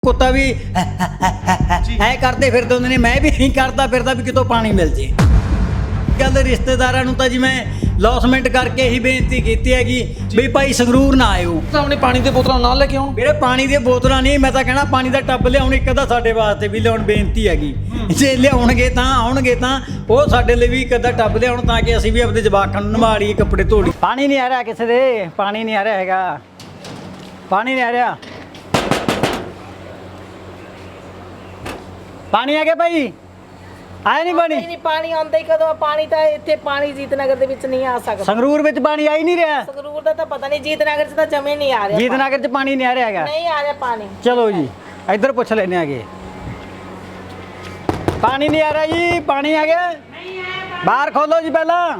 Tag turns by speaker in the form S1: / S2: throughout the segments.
S1: ਕੁੱਤਾ ਵੀ ਐ ਕਰਦੇ ਫਿਰਦੇ ਹੁੰਦੇ ਨੇ, ਮੈਂ ਵੀ ਇਹੀ ਕਰਦਾ ਫਿਰਦਾ ਵੀ ਕਿਤੋਂ ਪਾਣੀ ਮਿਲ ਜੇ। ਗੱਲ ਰਿਸ਼ਤੇਦਾਰਾਂ ਨੂੰ ਤਾਂ ਜੀ ਮੈਂ ਲੌਸਮੈਂਟ ਕਰਕੇ ਹੀ ਬੇਨਤੀ ਕੀਤੀ ਹੈਗੀ ਵੀ ਭਾਈ ਸੰਗਰੂਰ ਨਾ ਆਇਓ।
S2: ਆਪਣੇ ਪਾਣੀ ਦੇ ਬੋਤਲਾਂ ਨਾਲ ਲੈ ਕੇ ਆਉਣ।
S1: ਵੀਰੇ ਪਾਣੀ ਦੀਆਂ ਬੋਤਲਾਂ ਨਹੀਂ, ਮੈਂ ਤਾਂ ਕਹਿਣਾ ਪਾਣੀ ਦਾ ਟੱਬ ਲਿਆਉਣ ਇੱਕ ਅੱਧਾ ਸਾਡੇ ਵਾਸਤੇ ਵੀ ਲਿਆਉਣ ਬੇਨਤੀ ਹੈਗੀ। ਜੇ ਲਿਆਉਣਗੇ ਤਾਂ ਆਉਣਗੇ ਤਾਂ ਉਹ ਸਾਡੇ ਲਈ ਵੀ ਇੱਕ ਅੱਧਾ ਟੱਬ ਲਿਆਉਣ ਤਾਂ ਕਿ ਅਸੀਂ ਵੀ ਆਪਣੇ ਜਵਾਕਾਂ ਨੂੰ ਨਵਾ ਲਈਏ, ਕੱਪੜੇ ਧੋ ਲਈਏ। ਪਾਣੀ ਨਹੀਂ ਆ ਰਿਹਾ ਕਿਸੇ ਦੇ, ਪਾਣੀ ਨਹੀਂ ਆ ਰਿਹਾ ਹੈਗਾ, ਪਾਣੀ ਨਹੀਂ ਆ ਰਿਹਾ। ਪਾਣੀ ਆ ਗਿਆ ਭਾਈ, ਆਇਆ ਨਹੀਂ ਪਾਣੀ?
S3: ਨਹੀਂ ਪਾਣੀ ਆਉਂਦਾ ਹੀ ਕਦੋਂ? ਪਾਣੀ ਤਾਂ ਇੱਥੇ ਪਾਣੀ ਜੀਤਨਗਰ ਦੇ ਵਿੱਚ ਨਹੀਂ ਆ ਸਕਦਾ।
S1: ਸੰਗਰੂਰ ਵਿੱਚ ਪਾਣੀ ਆ ਹੀ ਨਹੀਂ ਰਿਹਾ।
S3: ਸੰਗਰੂਰ ਦਾ ਤਾਂ ਪਤਾ ਨਹੀਂ, ਜੀਤਨਗਰ 'ਚ ਤਾਂ ਜਮੇ ਨਹੀਂ ਆ ਰਿਹਾ।
S1: ਜੀਤਨਗਰ 'ਚ ਪਾਣੀ ਨਹੀਂ ਆ ਰਿਹਾ ਹੈਗਾ,
S3: ਨਹੀਂ ਆ ਰਿਹਾ ਪਾਣੀ।
S1: ਚਲੋ ਜੀ ਇੱਧਰ ਪੁੱਛ ਲੈਣੇ ਆਗੇ। ਪਾਣੀ ਨਹੀਂ ਆ ਰਿਹਾ ਜੀ, ਪਾਣੀ ਆ ਗਿਆ? ਬਾਹਰ ਖੋਲੋ ਜੀ, ਪਹਿਲਾਂ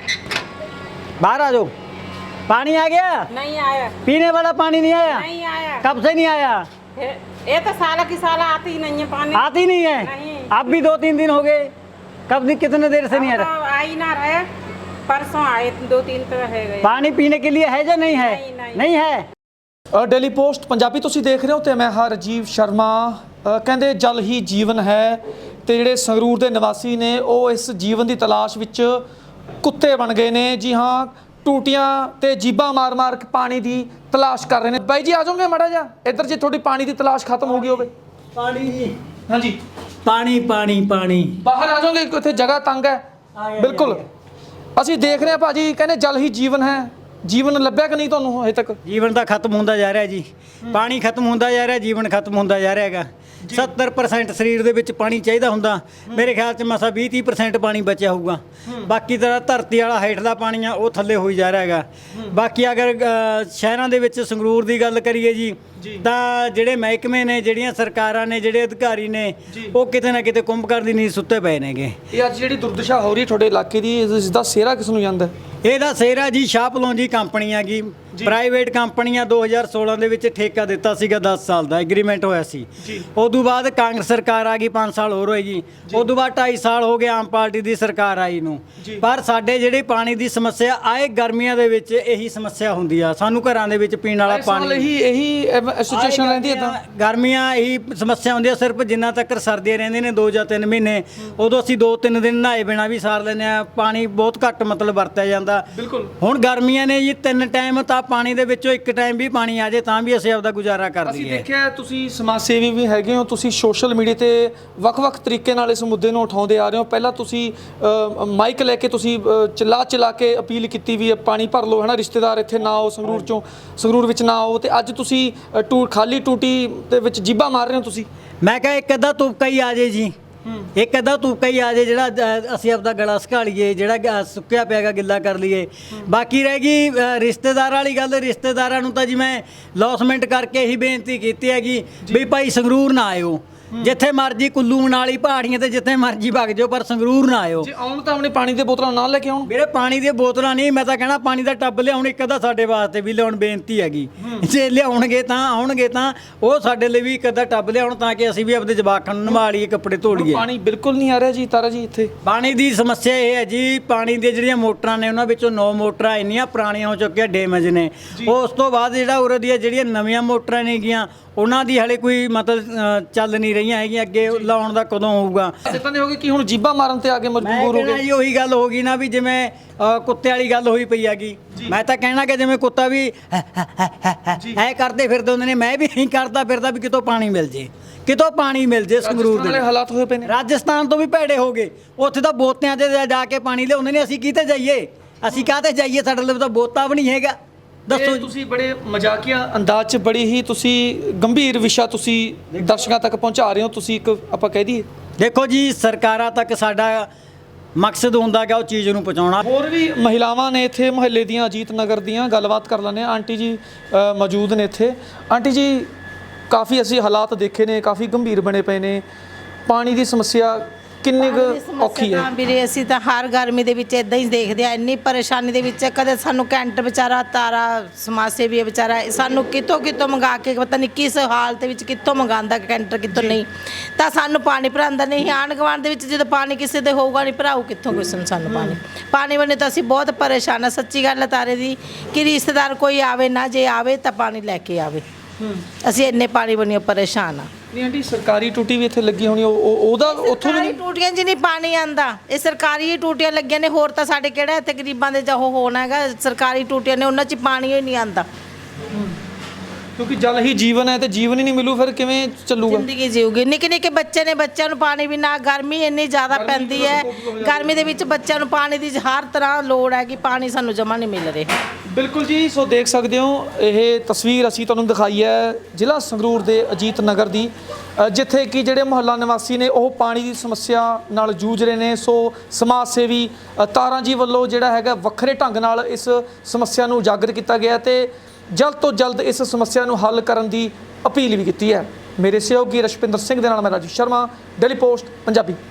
S1: बाहर आ जाओ। पानी आ गया?
S3: नहीं आया।
S1: पीने वाला पानी नहीं आया?
S3: नहीं आया।
S1: कब से नहीं आया?
S3: ये तो साला की साला आती ही नहीं है पानी।
S1: आती नहीं है?
S3: नहीं।
S1: अब भी 2-3 दिन हो गए। कब कितने देर से नहीं आ रहा?
S3: आ ही ना रहे, परसों आए 2-3 तो है गए।
S1: पानी पीने के लिए है या नहीं है? नहीं है।
S2: ਡੇਲੀ ਪੋਸਟ ਪੰਜਾਬੀ ਤੁਸੀਂ ਦੇਖ ਰਹੇ ਹੋ ਤੇ ਮੈਂ ਹਾਂ ਰਾਜੀਵ ਸ਼ਰਮਾ। ਕਹਿੰਦੇ ਜਲ ਹੀ ਜੀਵਨ ਹੈ ਤੇ ਜਿਹੜੇ ਸੰਗਰੂਰ ਦੇ ਨਿਵਾਸੀ ਨੇ ਉਹ ਇਸ ਜੀਵਨ ਦੀ ਤਲਾਸ਼ ਵਿੱਚ ਕੁੱਤੇ ਬਣ ਗਏ ਨੇ। ਜੀ ਹਾਂ, ਟੂਟੀਆਂ ਤੇ ਜੀਬਾਂ ਮਾਰ-ਮਾਰ ਕੇ ਪਾਣੀ ਦੀ ਤਲਾਸ਼ ਕਰ ਰਹੇ ਨੇ। ਬਾਈ ਜੀ ਆ ਜਾਓਗੇ ਮਾੜਾ ਜਿਹਾ ਇੱਧਰ, ਜੇ ਤੁਹਾਡੀ ਪਾਣੀ ਦੀ ਤਲਾਸ਼ ਖਤਮ ਹੋ ਗਈ ਹੋਵੇ।
S1: पानी जी,
S2: ਹਾਂਜੀ
S1: पानी पानी पानी।
S2: ਬਾਹਰ ਆ ਜਾਓਗੇ, ਇੱਥੇ ਜਗ੍ਹਾ ਤੰਗ ਹੈ। ਬਿਲਕੁਲ ਅਸੀਂ ਦੇਖ ਰਹੇ ਹਾਂ ਭਾਜੀ, ਕਹਿੰਦੇ ਜਲ ਹੀ ਜੀਵਨ ਹੈ। ਜੀਵਨ ਲੱਭਿਆ ਕਿ ਨਹੀਂ ਤੁਹਾਨੂੰ ਹਜੇ ਤੱਕ?
S1: ਜੀਵਨ ਤਾਂ ਖਤਮ ਹੁੰਦਾ ਜਾ ਰਿਹਾ ਜੀ, ਪਾਣੀ ਖਤਮ ਹੁੰਦਾ ਜਾ ਰਿਹਾ, ਜੀਵਨ ਖਤਮ ਹੁੰਦਾ ਜਾ ਰਿਹਾ ਹੈਗਾ। 70% ਸਰੀਰ ਦੇ ਵਿੱਚ ਪਾਣੀ ਚਾਹੀਦਾ ਹੁੰਦਾ, ਮੇਰੇ ਖਿਆਲ 'ਚ ਮਸਾ 20-30% ਪਾਣੀ ਬਚਿਆ ਹੋਊਗਾ। ਬਾਕੀ ਤਾਂ ਧਰਤੀ ਵਾਲਾ ਹੇਠਲਾ ਪਾਣੀ ਆ ਉਹ ਥੱਲੇ ਹੋਈ ਜਾ ਰਿਹਾ ਹੈਗਾ। ਬਾਕੀ ਅਗਰ ਸ਼ਹਿਰਾਂ ਦੇ ਵਿੱਚ ਸੰਗਰੂਰ ਦੀ ਗੱਲ ਕਰੀਏ ਜੀ ਤਾਂ ਜਿਹੜੇ ਮਹਿਕਮੇ ਨੇ, ਜਿਹੜੀਆਂ ਸਰਕਾਰਾਂ ਨੇ, ਜਿਹੜੇ ਅਧਿਕਾਰੀ ਨੇ, ਉਹ ਕਿਤੇ ਨਾ ਕਿਤੇ ਕੁੰਭਕਰਨ ਦੀ ਨੀਂਦ ਸੁੱਤੇ ਪਏ ਨੇਗੇ।
S2: ਇਹ ਅੱਜ ਜਿਹੜੀ ਦੁਰਦਸ਼ਾ ਹੋ ਰਹੀ ਹੈ ਤੁਹਾਡੇ ਇਲਾਕੇ ਦੀ, ਇਸ ਦਾ ਸਿਹਰਾ ਕਿਸ ਨੂੰ ਜਾਂਦਾ?
S1: ਇਹਦਾ ਸਿਹਰਾ ਜੀ ਸ਼ਾਹਪਲੋਂਜੀ ਕੰਪਨੀ ਹੈਗੀ, ਪ੍ਰਾਈਵੇਟ ਕੰਪਨੀ ਆ। 2016 ਦੇ ਵਿੱਚ ਠੇਕਾ ਦਿੱਤਾ ਸੀਗਾ, 10 ਸਾਲ ਦਾ ਐਗਰੀਮੈਂਟ ਹੋਇਆ ਸੀ। ਉਦੋਂ ਬਾਅਦ ਕਾਂਗਰਸ ਸਰਕਾਰ ਆ ਗਈ, 5 ਸਾਲ ਹੋਰ ਹੋਏਗੀ। ਉਦੋਂ ਬਾਅਦ 2.5 ਸਾਲ ਹੋ ਗਏ ਆਮ ਪਾਰਟੀ ਦੀ ਸਰਕਾਰ ਆਈ ਨੂੰ। ਪਰ ਸਾਡੇ ਜਿਹੜੇ ਪਾਣੀ ਦੀ ਸਮੱਸਿਆ ਆਏ ਗਰਮੀਆਂ ਦੇ ਵਿੱਚ ਇਹੀ ਸਮੱਸਿਆ ਹੁੰਦੀ ਆ, ਸਾਨੂੰ ਘਰਾਂ ਦੇ ਵਿੱਚ ਪੀਣ ਵਾਲਾ ਪਾਣੀ ਇਹੀ
S2: ਸਿਚੁਏਸ਼ਨ ਰਹਿੰਦੀ ਹੈ। ਤਾਂ
S1: ਗਰਮੀਆਂ ਇਹੀ ਸਮੱਸਿਆ ਹੁੰਦੀ ਆ। ਸਿਰਫ ਜਿੰਨਾ ਤੱਕ ਸਰਦੀਆਂ ਰਹਿੰਦੀਆਂ ਨੇ 2 ਜਾਂ 3 ਮਹੀਨੇ, ਉਦੋਂ ਅਸੀਂ 2-3 ਦਿਨ ਨਹਾਏ ਬਿਨਾਂ ਵੀ ਸਾਰ ਲੈਂਦੇ ਆ। ਪਾਣੀ ਬਹੁਤ ਘੱਟ ਮਤਲਬ ਵਰਤਿਆ ਜਾਂਦਾ।
S2: ਬਿਲਕੁਲ
S1: ਹੁਣ ਗਰਮੀਆਂ ਨੇ ਜੀ 3 ਟਾਈਮ, ਤਾਂ ਪਾਣੀ ਦੇ ਵਿੱਚੋਂ 1 ਟਾਈਮ ਵੀ ਪਾਣੀ ਆ ਜੇ ਤਾਂ ਵੀ ਅਸੀਂ ਆਪਦਾ ਗੁਜ਼ਾਰਾ ਕਰ
S2: ਅਸੀਂ
S1: ਦਈਏ।
S2: ਦੇਖਿਆ ਤੁਸੀਂ ਸਮਾਜ ਸੇਵੀ ਵੀ ਹੈਗੇ ਹੋ, ਤੁਸੀਂ ਸੋਸ਼ਲ ਮੀਡੀਆ ਤੇ ਵੱਖ-ਵੱਖ ਤਰੀਕੇ ਨਾਲ ਇਸ ਮੁੱਦੇ ਨੂੰ ਉਠਾਉਂਦੇ ਆ ਰਹੇ ਹੋ। ਪਹਿਲਾਂ ਤੁਸੀਂ ਮਾਈਕ ਲੈ ਕੇ ਤੁਸੀਂ ਚਲਾ ਕੇ ਅਪੀਲ ਕੀਤੀ ਵੀ ਪਾਣੀ ਭਰ ਲਓ, ਹੈ ਨਾ, ਰਿਸ਼ਤੇਦਾਰ ਇੱਥੇ ਨਾ ਆਓ, ਸੰਗਰੂਰ ਵਿੱਚ ਨਾ ਆਓ। ਤੇ ਅੱਜ ਤੁਸੀਂ ਖਾਲੀ ਟੂਟੀ ਦੇ ਵਿੱਚ ਜੀਬਾਂ ਮਾਰ ਰਹੇ ਹੋ। ਤੁਸੀਂ
S1: ਮੈਂ ਕਿਹਾ ਇੱਕ ਅੱਧਾ ਤੁਪਕਾ ਹੀ ਆ ਜੇ ਜੀ, ਇੱਕ ਅੱਧਾ ਤੁਪਕਾ ਹੀ ਆ ਜੇ ਜਿਹੜਾ ਅਸੀਂ ਆਪਦਾ ਗਲਾ ਸੁਕਾ ਲਈਏ, ਜਿਹੜਾ ਸੁੱਕਿਆ ਪਿਆਗਾ ਗਿੱਲਾ ਕਰ ਲਈਏ। ਬਾਕੀ ਰਹਿ ਗਈ ਰਿਸ਼ਤੇਦਾਰਾਂ ਵਾਲੀ ਗੱਲ, ਰਿਸ਼ਤੇਦਾਰਾਂ ਨੂੰ ਤਾਂ ਜੀ ਮੈਂ ਲੌਸਮੈਂਟ ਕਰਕੇ ਹੀ ਬੇਨਤੀ ਕੀਤੀ ਹੈਗੀ ਵੀ ਭਾਈ ਸੰਗਰੂਰ ਨਾ ਆਇਓ। ਜਿੱਥੇ ਮਰਜੀ ਕੁੱਲੂ ਮਨਾਲੀ ਪਹਾੜੀਆਂ ਤੇ ਜਿੱਥੇ ਮਰਜੀ ਵਗ ਜਾਓ, ਪਰ ਸੰਗਰੂਰ ਨਾ ਆਇਓ।
S2: ਜੇ ਆਉਣ ਤਾਂ ਆਪਣੇ ਪਾਣੀ ਦੇ ਬੋਤਲਾਂ ਨਾਲ ਲੈ ਕੇ ਆਉਣ।
S1: ਵੀਰੇ ਪਾਣੀ ਦੀਆਂ ਬੋਤਲਾਂ ਨਹੀਂ, ਮੈਂ ਤਾਂ ਕਹਿਣਾ ਪਾਣੀ ਦਾ ਟੱਬ ਲਿਆਉਣ ਇੱਕ ਅੱਧਾ ਸਾਡੇ ਵਾਸਤੇ ਵੀ ਲਿਆਉਣ ਬੇਨਤੀ ਹੈਗੀ। ਜੇ ਲਿਆਉਣਗੇ ਤਾਂ ਆਉਣਗੇ ਤਾਂ ਉਹ ਸਾਡੇ ਲਈ ਵੀ ਇੱਕ ਅੱਧਾ ਟੱਬ ਲਿਆਉਣ ਤਾਂ ਕਿ ਅਸੀਂ ਵੀ ਆਪਣੇ ਜਵਾਕਾਂ ਨੂੰ ਨਵਾ ਲਈਏ, ਕੱਪੜੇ ਧੋ ਲਈਏ।
S2: ਪਾਣੀ ਬਿਲਕੁਲ ਨਹੀਂ ਆ ਰਿਹਾ ਜੀ ਤਾਰਾ ਜੀ ਇੱਥੇ।
S1: ਪਾਣੀ ਦੀ ਸਮੱਸਿਆ ਇਹ ਹੈ ਜੀ, ਪਾਣੀ ਦੀਆਂ ਜਿਹੜੀਆਂ ਮੋਟਰਾਂ ਨੇ ਉਹਨਾਂ ਵਿੱਚੋਂ 9 ਮੋਟਰਾਂ ਇੰਨੀਆਂ ਪੁਰਾਣੀਆਂ ਹੋ ਚੁੱਕੀਆਂ, ਡੈਮੇਜ ਨੇ। ਉਸ ਤੋਂ ਬਾਅਦ ਜਿਹੜਾ ਉਰੇ ਦੀਆਂ ਜਿਹੜੀਆਂ ਨਵੀਆਂ ਮੋਟਰਾਂ ਨੇਗੀਆਂ ਉਹਨਾਂ ਦੀ ਹਲੇ ਕੋਈ ਮਤਲਬ ਚੱਲ ਨਹੀਂ ਰਹੀਆਂ ਹੈਗੀਆਂ। ਅੱਗੇ ਲਾਉਣ ਦਾ ਕਦੋਂ ਹੋਊਗਾ?
S2: ਇਦਾਂ ਦੇ ਹੋ ਗਏ ਕਿ ਹੁਣ ਜੀਬਾਂ ਮਾਰਨ ਤੇ ਆ ਕੇ ਮਜਬੂਰ ਹੋ ਗਏ
S1: ਜੀ। ਉਹੀ ਗੱਲ ਹੋ ਗਈ ਨਾ ਵੀ ਜਿਵੇਂ ਕੁੱਤੇ ਵਾਲੀ ਗੱਲ ਹੋਈ ਪਈ ਹੈਗੀ। ਮੈਂ ਤਾਂ ਕਹਿਣਾ ਕਿ ਜਿਵੇਂ ਕੁੱਤਾ ਵੀ ਐ ਕਰਦੇ ਫਿਰਦੇ ਹੁੰਦੇ ਨੇ, ਮੈਂ ਵੀ ਇਹੀ ਕਰਦਾ ਫਿਰਦਾ ਵੀ ਕਿਤੋਂ ਪਾਣੀ ਮਿਲ ਜੇ, ਕਿਤੋਂ ਪਾਣੀ ਮਿਲ ਜੇ। ਸੰਗਰੂਰ ਦੇ
S2: ਹਾਲਾਤ ਹੋਏ ਪਏ ਨੇ,
S1: ਰਾਜਸਥਾਨ ਤੋਂ ਵੀ ਭੈੜੇ ਹੋ ਗਏ। ਉੱਥੇ ਤਾਂ ਬੋਤਿਆਂ 'ਚ ਜਾ ਕੇ ਪਾਣੀ ਲਿਆਉਂਦੇ ਨੇ। ਅਸੀਂ ਕਿਤੇ ਜਾਈਏ, ਅਸੀਂ ਕਾਹਤੇ ਜਾਈਏ? ਸਾਡੇ ਲਈ ਤਾਂ ਬੋਤਾ ਵੀ ਨਹੀਂ ਹੈਗਾ। ਦੱਸੋ
S2: ਤੁਸੀਂ ਬੜੇ ਮਜ਼ਾਕੀਆ ਅੰਦਾਜ਼ 'ਚ ਬੜੀ ਹੀ ਤੁਸੀਂ ਗੰਭੀਰ ਵਿਸ਼ਾ ਤੁਸੀਂ ਦਰਸ਼ਕਾਂ ਤੱਕ ਪਹੁੰਚਾ ਰਹੇ ਹੋ। ਤੁਸੀਂ ਇੱਕ ਆਪਾਂ ਕਹਿ ਦਈਏ, ਦੇਖੋ
S1: ਜੀ ਸਰਕਾਰਾਂ ਤੱਕ ਸਾਡਾ ਮਕਸਦ ਹੁੰਦਾ ਕਿ ਉਹ ਚੀਜ਼ ਨੂੰ ਪਹੁੰਚਾਉਣਾ।
S2: ਹੋਰ ਵੀ ਮਹਿਲਾਵਾਂ ਨੇ ਇੱਥੇ ਮੁਹੱਲੇ ਦੀਆਂ, ਅਜੀਤ ਨਗਰ ਦੀਆਂ, ਗੱਲਬਾਤ ਕਰ ਲੈਂਦੇ ਹਾਂ। ਆਂਟੀ ਜੀ ਮੌਜੂਦ ਨੇ ਇੱਥੇ। ਆਂਟੀ ਜੀ, ਕਾਫੀ ਅਸੀਂ ਹਾਲਾਤ ਦੇਖੇ ਨੇ, ਕਾਫੀ ਗੰਭੀਰ ਬਣੇ ਪਏ ਨੇ। ਪਾਣੀ ਦੀ ਸਮੱਸਿਆ ਕਿੰਨੀ ਕੁ ਔਖੀ ਹੈ?
S3: ਵੀਰੇ ਅਸੀਂ ਤਾਂ ਹਰ ਗਰਮੀ ਦੇ ਵਿੱਚ ਇਦਾਂ ਹੀ ਦੇਖਦੇ ਆ, ਇੰਨੀ ਪਰੇਸ਼ਾਨੀ ਦੇ ਵਿੱਚ। ਕਦੇ ਸਾਨੂੰ ਕੈਂਟ ਵਿਚਾਰਾ ਤਾਰਾ ਸਮਾਜ ਸੇਵੀ ਵਿਚਾਰਾ ਸਾਨੂੰ ਕਿਤੋਂ ਮੰਗਾ ਕੇ, ਪਤਾ ਨਹੀਂ ਕਿਸ ਹਾਲਤ ਵਿੱਚ ਕਿੱਥੋਂ ਮੰਗਾਉਂਦਾ ਕੈਂਟਰ, ਕਿੱਥੋਂ ਨਹੀਂ, ਤਾਂ ਸਾਨੂੰ ਪਾਣੀ ਭਰਾਉਂਦਾ ਨਹੀਂ। ਆਂਢ ਗੁਆਂਢ ਦੇ ਵਿੱਚ ਜਦੋਂ ਪਾਣੀ ਕਿਸੇ ਦੇ ਹੋਊਗਾ ਨਹੀਂ, ਭਰਾਊ ਕਿੱਥੋਂ ਕਿਸੇ ਨੂੰ ਸਾਨੂੰ ਪਾਣੀ ਬਣੇ। ਤਾਂ ਅਸੀਂ ਬਹੁਤ ਪਰੇਸ਼ਾਨ ਆ। ਸੱਚੀ ਗੱਲ ਹੈ ਤਾਰੇ ਦੀ, ਕਿ ਰਿਸ਼ਤੇਦਾਰ ਕੋਈ ਆਵੇ ਨਾ, ਜੇ ਆਵੇ ਤਾਂ ਪਾਣੀ ਲੈ ਕੇ ਆਵੇ। ਅਸੀਂ ਇੰਨੇ ਪਾਣੀ ਬਣੀਓ ਪਰੇਸ਼ਾਨ ਆ।
S2: ਨਹੀਂ ਆਂਟੀ ਸਰਕਾਰੀ ਟੂਟੀ ਵੀ ਇੱਥੇ ਲੱਗੀ ਹੋਣੀ ਉਹਦਾ ਉੱਥੋਂ ਵੀ
S3: ਸਰਕਾਰੀ
S2: ਨਹੀਂ?
S3: ਟੂਟੀਆਂ 'ਚ ਨਹੀਂ ਪਾਣੀ ਆਂਦਾ, ਇਹ ਸਰਕਾਰੀ ਹੀ ਟੂਟੀਆਂ ਲੱਗੀਆਂ ਨੇ। ਹੋਰ ਤਾਂ ਸਾਡੇ ਕਿਹੜਾ ਇੱਥੇ ਗਰੀਬਾਂ ਦੇ ਜਾਂ ਉਹ ਹੋਣਾ ਹੈਗਾ। ਸਰਕਾਰੀ ਟੂਟੀਆਂ ਨੇ, ਉਹਨਾਂ 'ਚ ਪਾਣੀ ਹੀ ਨਹੀਂ ਆਂਦਾ।
S2: ਕਿਉਂਕਿ ਜਲ ਹੀ ਜੀਵਨ ਹੈ ਤੇ ਜੀਵਨ ਹੀ ਨਹੀਂ ਮਿਲੂ ਫਿਰ ਕਿਵੇਂ ਚੱਲੂਗਾ?
S3: ਜ਼ਿੰਦਗੀ ਜੀਊਗੀ। ਨਿੱਕੇ ਨਿੱਕੇ ਬੱਚੇ ਨੇ, ਬੱਚਿਆਂ ਨੂੰ ਪਾਣੀ ਵੀ ਨਾ, ਗਰਮੀ ਇੰਨੀ ਜ਼ਿਆਦਾ ਪੈਂਦੀ ਹੈ। ਗਰਮੀ ਦੇ ਵਿੱਚ ਬੱਚਿਆਂ ਨੂੰ ਪਾਣੀ ਦੀ ਹਰ ਤਰ੍ਹਾਂ ਲੋੜ ਹੈ ਕਿ ਪਾਣੀ ਸਾਨੂੰ ਜਮ੍ਹਾਂ ਨਹੀਂ ਮਿਲ ਰਿਹਾ।
S2: ਬਿਲਕੁਲ ਜੀ, ਸੋ ਦੇਖ ਸਕਦੇ ਹੋ ਇਹ ਤਸਵੀਰ ਅਸੀਂ ਤੁਹਾਨੂੰ ਦਿਖਾਈ ਹੈ ਜ਼ਿਲ੍ਹਾ ਸੰਗਰੂਰ ਦੇ ਅਜੀਤ ਨਗਰ ਦੀ, ਜਿੱਥੇ ਕਿ ਜਿਹੜੇ ਮੁਹੱਲਾ ਨਿਵਾਸੀ ਨੇ ਉਹ ਪਾਣੀ ਦੀ ਸਮੱਸਿਆ ਨਾਲ ਜੂਝ ਰਹੇ ਨੇ। ਸੋ ਸਮਾਜ ਸੇਵੀ ਤਾਰਾਂ ਜੀ ਵੱਲੋਂ ਜਿਹੜਾ ਹੈਗਾ ਵੱਖਰੇ ਢੰਗ ਨਾਲ ਇਸ ਸਮੱਸਿਆ ਨੂੰ ਉਜਾਗਰ ਕੀਤਾ ਗਿਆ ਤੇ ਜਲਦ ਤੋਂ ਜਲਦ ਇਸ ਸਮੱਸਿਆ ਨੂੰ ਹੱਲ ਕਰਨ ਦੀ ਅਪੀਲ ਵੀ ਕੀਤੀ ਹੈ। ਮੇਰੇ ਸਹਿਯੋਗੀ ਰਸ਼ਪਿੰਦਰ ਸਿੰਘ ਦੇ ਨਾਲ ਮੈਂ ਰਾਜੂ ਸ਼ਰਮਾ, ਡੇਲੀ ਪੋਸਟ ਪੰਜਾਬੀ।